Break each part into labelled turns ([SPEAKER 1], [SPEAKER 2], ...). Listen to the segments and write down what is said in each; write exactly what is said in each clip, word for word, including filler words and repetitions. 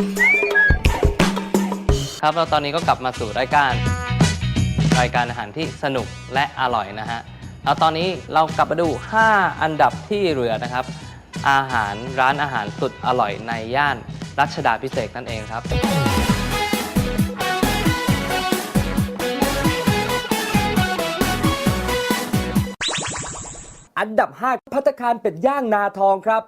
[SPEAKER 1] ครับเราตอนนี้ก็กลับมาสู่รายการรายการอาหารที่สนุกและอร่อยนะฮะแล้วตอนนี้เรากลับมาดูห้าอันดับที่เหลือนะครับอาหารร้านอาหารสุดอร่อยในย่านรัชดาภิเษกนั่นเองครับ
[SPEAKER 2] อันดับห้าภัตตาคารเป็ดย่างนาทองครับ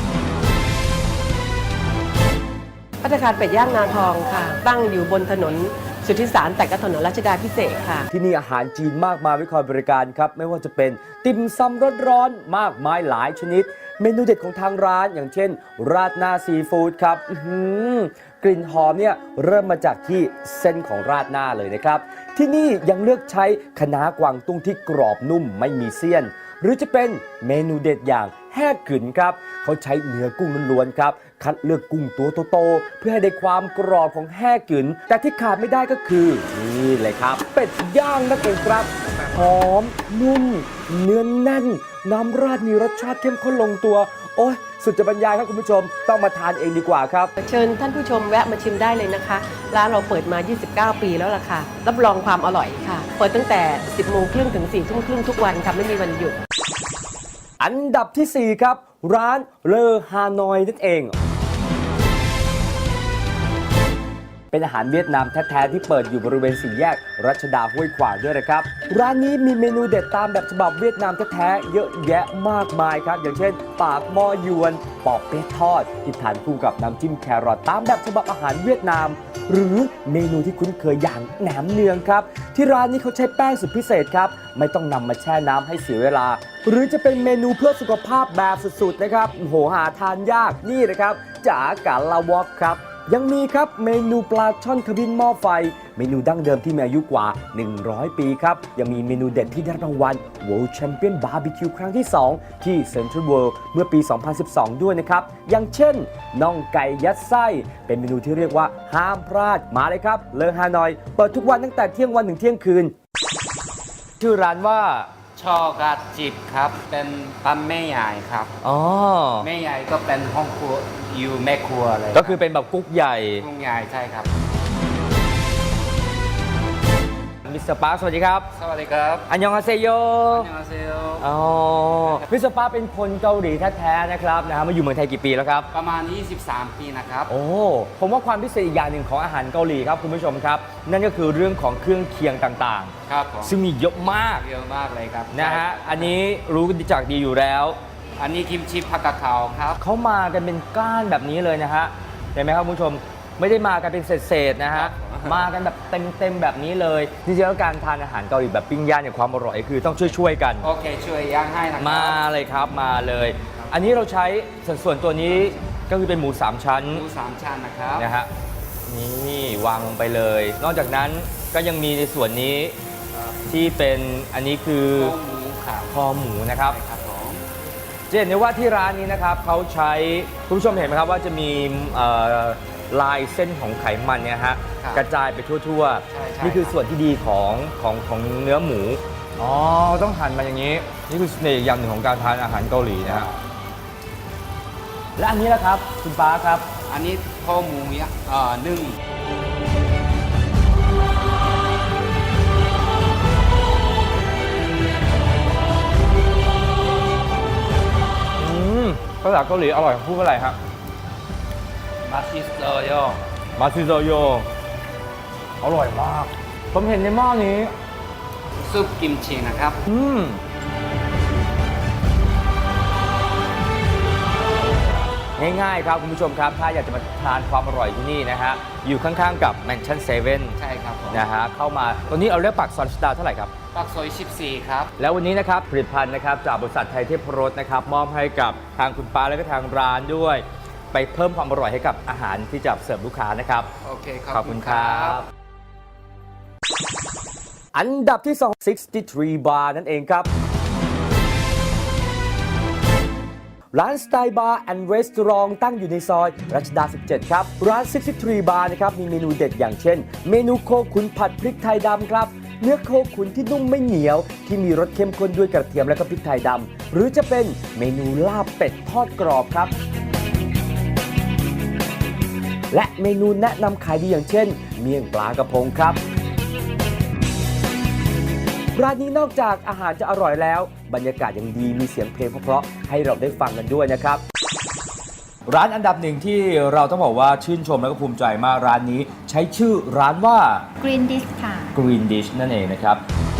[SPEAKER 3] ภัตตาคารเป็ดย่างนาทองค่ะตั้งอยู่บนถนนสุทธิสารแต่ก็ถนนรัชดาภิเษกค่ะ
[SPEAKER 2] ที่นี่อาหารจีนมากมายไว้คอยบริการครับไม่ว่าจะเป็นติ่มซำร้อนๆมากมายหลายชนิดเมนูเด็ดของทางร้านอย่างเช่นราดหน้าซีฟู้ดครับกลิ่นหอมเนี่ยเริ่มมาจากที่เส้นของราดหน้าเลยนะครับที่นี่ยังเลือกใช้คะน้ากวางตุ้งที่กรอบนุ่มไม่มีเสี้ยนหรือจะเป็นเมนูเด็ดอย่างแห้กึ๋นครับเขาใช้เนื้อกุ้งล้วนๆครับคัดเลือกกุ้งตัวโตๆเพื่อให้ได้ความกรอบของแห้กึ๋นแต่ที่ขาดไม่ได้ก็คือนี่เลยครับเป็ดย่างนั่นเองครับหอมนุ่มเนื้อแน่นน้ำราดมีรสชาติเข้มข้นลงตัวโอ้ยสุดจะบรรยายครับคุณผู้ชมต้องมาทานเองดีกว่าครับ
[SPEAKER 3] เชิญท่านผู้ชมแวะมาชิมได้เลยนะคะร้านเราเปิดมายี่สิบเก้าปีแล้วล่ะค่ะรับรองความอร่อยค่ะเปิดตั้งแต่สิบโมงครึ่งถึงสี่ทุ่มครึ่งทุกวันค่ะไม่มีวันหยุด
[SPEAKER 2] อันดับที่สี่ครับร้านเลอฮานอยนั่นเองเป็นอาหารเวียดนามแท้ๆที่เปิดอยู่บริเวณสี่แยกรัชดาห้วยขวางด้วยนะครับร้านนี้มีเมนูเด็ดตามแบบฉบับเวียดนามแท้ๆเยอะแยะมากมายครับอย่างเช่นปากหม้อยวนปอกเปี๊ยะทอดที่ทานคู่กับน้ำจิ้มแครอทตามแบบฉบับอาหารเวียดนามหรือเมนูที่คุ้นเคยอย่างแหนมเนืองครับที่ร้านนี้เขาใช้แป้งสุดพิเศษครับไม่ต้องนำมาแช่น้ำให้เสียเวลาหรือจะเป็นเมนูเพื่อสุขภาพแบบสุดๆนะครับโหหาทานยากนี่นะครับจ๋ากาลาวอกครับยังมีครับเมนูปลาช่อนขมิ้นหม้อไฟเมนูดั้งเดิมที่มีอายุกว่าหนึ่งร้อยปีครับยังมีเมนูเด็ดที่ได้รางวัล World Champion Barbecue ครั้งที่สองที่ Central World เมื่อปี สองพันสิบสอง ด้วยนะครับอย่างเช่นน่องไก่ยัดไส้เป็นเมนูที่เรียกว่าห้ามพลาดมาเลยครับเลอฮานอยเปิดทุกวันตั้งแต่เที่ยงวันถึงเที่ยงคืนชื่อร้านว่า
[SPEAKER 4] ช่อกาจิบครับเป็นปั๊มแม่ใหญ่ครับ
[SPEAKER 2] อ๋อ
[SPEAKER 4] แม่ใหญ่ก็เป็นห้องครัวอยู่แม่ครัวเลย
[SPEAKER 2] ก็คือเป็นแบบกุ๊กใหญ่
[SPEAKER 4] กุ๊กใหญ่ใช่ครับ
[SPEAKER 2] มิสเตอร์ปาร์คสวัสดีครับ
[SPEAKER 4] สวัสดีครับ
[SPEAKER 2] อันยองอาเซโย
[SPEAKER 4] อันยองอาเซโย
[SPEAKER 2] อ๋อมิสเตอร์ปาร์คเป็นคนเกาหลีแท้ๆนะครับนะฮะมาอยู่เมืองไทยกี่ปีแล้วครับ
[SPEAKER 4] ประมาณยี่สิบสามปีนะครับ
[SPEAKER 2] โอ้ผมว่าความพิเศษอีกอย่างหนึ่งของอาหารเกาหลีครับคุณผู้ชมครับนั่นก็คือเรื่องของเครื่องเคียงต่าง
[SPEAKER 4] ๆครับ
[SPEAKER 2] ซึ่งมีเยอะมาก
[SPEAKER 4] เยอะมากเลยครับ
[SPEAKER 2] นะฮะอันนี้รู้จักดีอยู่แล้ว
[SPEAKER 4] อันนี้กิมจิผักกาดขาวครับ
[SPEAKER 2] เขามากันเป็นก้านแบบนี้เลยนะฮะเห็นไหมครับคุณผู้ชมไม่ได้มากันเป็นเศษๆนะฮะมากันแบบเต็มๆแบบนี้เลยจริงๆแล้วการทานอาหารเกาหลีแบบปิ้งย่างเนี่ยความอร่อยคือต้องช่วยๆกัน
[SPEAKER 4] โอเคช่วยย่างให้นะครับ
[SPEAKER 2] มาเลยครับมาเลยอันนี้เราใช้ส่วนตัวนี้ก็คือเป็นหมูสามชั้น
[SPEAKER 4] หมูสามชั้นนะครับ
[SPEAKER 2] นะฮะนี่วางลงไปเลยนอกจากนั้นก็ยังมีในส่วนนี้ที่เป็นอันนี้คือ
[SPEAKER 4] คอหมูครับ
[SPEAKER 2] คอหมูนะครับจะเห็นได้ว่าที่ร้านนี้นะครับเขาใช้คุณผู้ชมเห็นไหมครับว่าจะมีลายเส้นของไขมันเนี่ยฮะกระจายไปทั่วๆนี่คือส่วนที่ดีของของของเนื้อหมูอ๋อต้องหั่นมาอย่างนี้นี่คือเสน่ห์อย่างหนึ่งของการทานอาหารเกาหลีนะฮะและอันนี้ล่ะครับคุณป้าครับ
[SPEAKER 4] อันนี้คอหมูเนี่ยนึ่ง
[SPEAKER 2] ภาษาเกาหลีอร่อยพูดว่าอะไรครับ
[SPEAKER 4] มาซิโซโย
[SPEAKER 2] มาซิโซโยอร่อยมากผมเห็นในหม้อนี้
[SPEAKER 4] ซุปกิมจินะครับ
[SPEAKER 2] อืมง่ายๆครับคุณผู้ชมครับถ้าอยากจะมาทานความอร่อยที่นี่นะฮะอยู่ข้างๆกับแมนชั่นเซเว่น
[SPEAKER 4] ใช่ครับ
[SPEAKER 2] นะฮะเข้ามาตอนนี้เราเรียกปากซอยรัชดาเท่าไหร่ครับ
[SPEAKER 4] ปากซอยสิบสี่ครับ
[SPEAKER 2] แล้ววันนี้นะครับผลิตภัณฑ์นะครับจากบริษัทไทยเทพรสนะครับมอบให้กับทางคุณป้าและก็ทางร้านด้วยไปเพิ่มความอร่อยให้กับอาหารที่จะเสิร์ฟลูกค้านะครับ
[SPEAKER 4] โอเค
[SPEAKER 2] ขอบคุณครับอันดับที่สอง หกสิบสาม บาร์นั่นเองครับร้านสไตล์บาร์แอนด์รีสอร์ทตั้งอยู่ในซอยรัชดาสิบเจ็ดครับร้านหกสิบสาม บาร์นะครับมีเมนูเด็ดอย่างเช่นเมนูโคขุนผัดพริกไทยดำครับเนื้อโคขุนที่นุ่มไม่เหนียวที่มีรสเข้มข้นด้วยกระเทียมและก็พริกไทยดำหรือจะเป็นเมนูลาบเป็ดทอดกรอบครับและเมนูแนะนำขายดีอย่างเช่น เมี่ยงปลากระพงครับร้านนี้นอกจากอาหารจะอร่อยแล้วบรรยากาศยังดีมีเสียงเพลงเพราะๆให้เราได้ฟังกันด้วยนะครับร้านอันดับหนึ่งที่เราต้องบอกว่าชื่นชมและก็ภูมิใจมากร้านนี้ใช้ชื่อร้านว่า
[SPEAKER 5] Green Dish ค่ะ
[SPEAKER 2] Green Dish นั่นเองนะครับ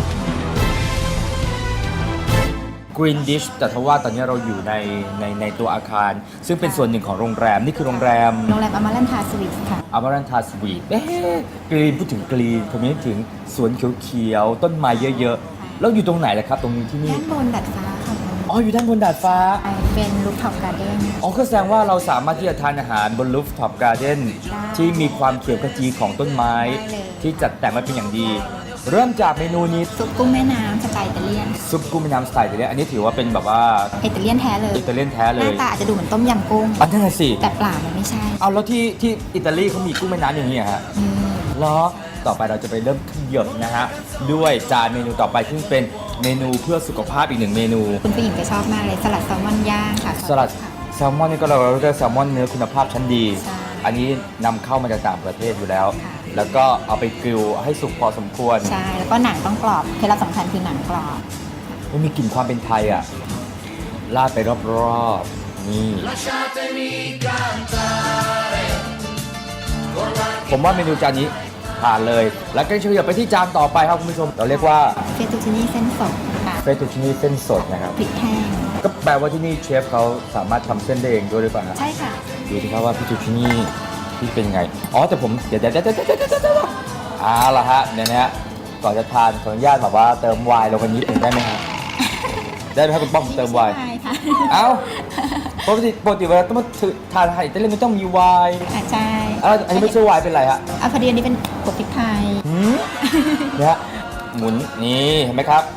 [SPEAKER 2] Green Dish แต่ทว่าตอนนี้เราอยู่ในในในตัวอาคาร ซึ่งเป็นส่วนหนึ่งของโรงแรมนี่คือโรงแรม
[SPEAKER 5] โรงแรมอมารันทาสวีทค่ะ
[SPEAKER 2] อมรันทาสวีทเอ๊ะกรีนพูดถึงกรีนผมนึกถึงสวนเขียวๆต้นไม้เยอะๆแล้วอยู่ตรงไหนล่ะครับตรงนี้ที่นี่
[SPEAKER 5] ด้านบนดาดฟ้าค่ะ
[SPEAKER 2] อ๋ออยู่ด้านบนดาดฟ้า
[SPEAKER 5] เป็นลูฟท็อปการ์เด้น
[SPEAKER 2] อ๋อก็แสดงว่าเราสามารถที่จะทานอาหารบนรูฟท็อปการ์เด้นที่มีความเขียวขจีของต้นไม้ ที่จัดแต่งมาเป็นอย่างดี เริ่มจากเมนูนี้
[SPEAKER 5] ซุปกุ้งแม่น้ำสไตล์อิตาเลียน
[SPEAKER 2] ซุปกุ้งแม่น้ำสไตล์อิตาเลียนอันนี้ถือว่าเป็นแบบว่า
[SPEAKER 5] อิตาเลียนแท้เลย
[SPEAKER 2] อิตาเลียนแท้เล
[SPEAKER 5] หน้าย ตาอาจจะดูเหมือนต้มยำกุ้ง
[SPEAKER 2] อันนั้นนะสิ
[SPEAKER 5] แต่เปล่ามันไม่ใช่
[SPEAKER 2] เอาแล้วที่ที่อิตาลีเขามีกุ้งแม่น้ำอย่างนี้เหรอฮะ
[SPEAKER 5] อืม
[SPEAKER 2] เหรอต่อไปเราจะไปเริ่มขยับนะฮะด้วยจานเมนูต่อไปซึ่งเป็นเมนูเพื่อสุขภาพอีกหนึ่งเมนู
[SPEAKER 5] คุณผู้หญิงจะชอบมากเลยสลัดแซลมอนย่างค่ะ
[SPEAKER 2] สลัดแซลมอนนี่ก็เราเรียกแซลมอนเนื้อคุณภาพชั้นดี
[SPEAKER 5] ใช่
[SPEAKER 2] อันนี้นำเข้ามาจากต่างประเทศอยู่แล้ว
[SPEAKER 5] ค่ะ
[SPEAKER 2] แล้วก็เอาไปกริลให้สุกพอสมควร
[SPEAKER 5] ใช่ แล้วก็หนังต้องกรอบเคล็ดลับสำคัญคือหนังกรอบ
[SPEAKER 2] มันมีกลิ่นความเป็นไทยอ่ะราดไปรอบๆนี่ผมว่าเมนูจานนี้ผ่านเลย แล้วก็เฉลี่ยไปที่จานต่อไปครับคุณผู้ชม เราเรียกว่า
[SPEAKER 5] เฟตตูชินี่เส้นสดค่ะ
[SPEAKER 2] เฟตตูชินี่เส้นสดนะครับ
[SPEAKER 5] พริกแห้ง
[SPEAKER 2] ก็แปลว่าที่นี่เชฟเขาสามารถทำเส้นได้เองด้วยหรือเปล่าฮะ
[SPEAKER 5] ใช่ค่ะ
[SPEAKER 2] ดูสิครับว่าพี่ตูชินี่พี่เป็นไง อ๋อแต่ผมเดี๋ยวเดี๋ยวเดี๋ยวเดี๋ยวเดี๋ยวเดี๋ยวเอาละฮะเดี๋ยวนะฮะก่อนจะทานขออนุญาตแบบว่าเติมไวน์ลงไปนิดหนึ่งได้ไหมฮะได้ไหมครับคุณป้อมเติมไวน์
[SPEAKER 5] ใช่ค่ะ
[SPEAKER 2] เอ้าปกติปกติเวลาต้องมาถือทานอาหารอิตาเลียนมันต้องมีไวน์
[SPEAKER 5] อ่ะใช่
[SPEAKER 2] เอ้าอันนี้ไม่ใช่ไวน์เป็นไรฮะ
[SPEAKER 5] อ่ะพอดีอันนี้เป็นกบพริกไทย
[SPEAKER 2] หืมเนี่ยฮะหมุนนี่เห็นไหมครับ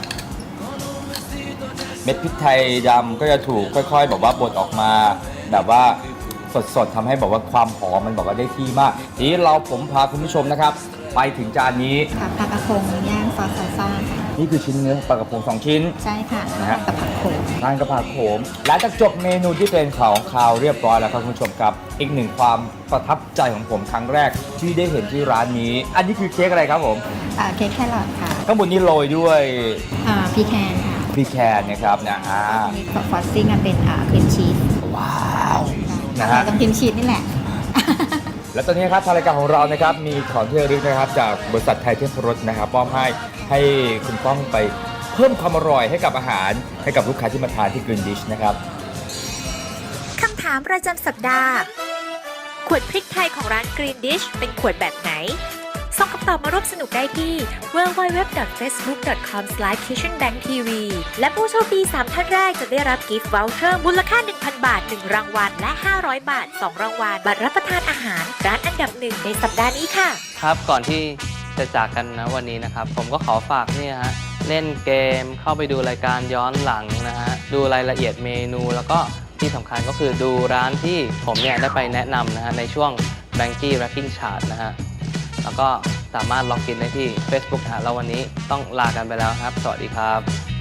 [SPEAKER 2] เม็ดพริกไทยดำก็จะถูกค่อยๆแบบว่าบดออกมา แบบว่าสดๆทำให้แบบว่าความหอมมันบอกว่าได้ที่มากทีนี้เราผมพาคุณผู้ชมนะครับ ไปถึงจานนี้
[SPEAKER 5] ค่ะปลากระพงย่างซอสซาซ่าค่ะ
[SPEAKER 2] นี่คือชิ้นเนื้อปลากระพงสองชิ้น
[SPEAKER 5] ใช่ค่ะ
[SPEAKER 2] นะฮะ
[SPEAKER 5] กับผักโขม
[SPEAKER 2] ทานกระเพราโขมหลังจากจบเมนูที่เป็นของคาวเรียบร้อยแล้วครับคุณผู้ชมครับ อีกหนึ่งความประทับใจของผมครั้งแรกที่ได้เห็นที่ร้านนี้ อันนี้คือเค้กอะไรครับผม
[SPEAKER 5] อ่าเค้กแครอทค่ะ
[SPEAKER 2] ข้างบนนี้โรยด้วย
[SPEAKER 5] อ่าพีแคนค่ะ
[SPEAKER 2] พริกแคนนะครับนะอ่า
[SPEAKER 5] มีฟอสซิ่งอ่ะเป็นอ่าครีมชีส
[SPEAKER 2] ว้าวนะฮะ
[SPEAKER 5] ตรงครีมชีสนี่แหละ
[SPEAKER 2] และตอนนี้ครับทางรายการของเรานะครับมีของที่ระลึกนะครับจากบริษัทไทยเทพรสนะครับมอบให้ให้คุณป้องไปเพิ่มความอร่อยให้กับอาหารให้กับลูกค้าที่มาทานที่ Green Dish นะครับ
[SPEAKER 6] คำถามประจำสัปดาห์ ขวดพริกไทยของร้าน Green Dish เป็นขวดแบบไหน ส่งคำตอบมาร่วมสนุกได้ที่ ดับเบิลยู ดับเบิลยู ดับเบิลยู ดอท เฟซบุ๊ก ดอท คอม สแลช คิทเช่นแบงค์ ที วี และผู้โชคดีสามท่านแรกจะได้รับกิฟต์วอลเชอร์มูลค่า หนึ่งพัน บาท หนึ่ง รางวัล และ ห้าร้อย บาท สอง รางวัล บัตรรับประทานอาหารร้านอันดับหนึ่งในสัปดาห์นี้ค่ะ
[SPEAKER 1] ครับก่อนที่จะจากกันนะวันนี้นะครับ ผมก็ขอฝากนี่ฮะเล่นเกมเข้าไปดูรายการย้อนหลังนะฮะดูรายละเอียดเมนู แล้วก็ที่สำคัญก็คือดูร้านที่ผมเนี่ยได้ไปแนะนำนะฮะในช่วง Banky Ranking Chart นะฮะแล้วก็สามารถล็อกอินได้ที่ Facebook อ่ะแล้ววันนี้ต้องลากันไปแล้วครับ สวัสดีครับ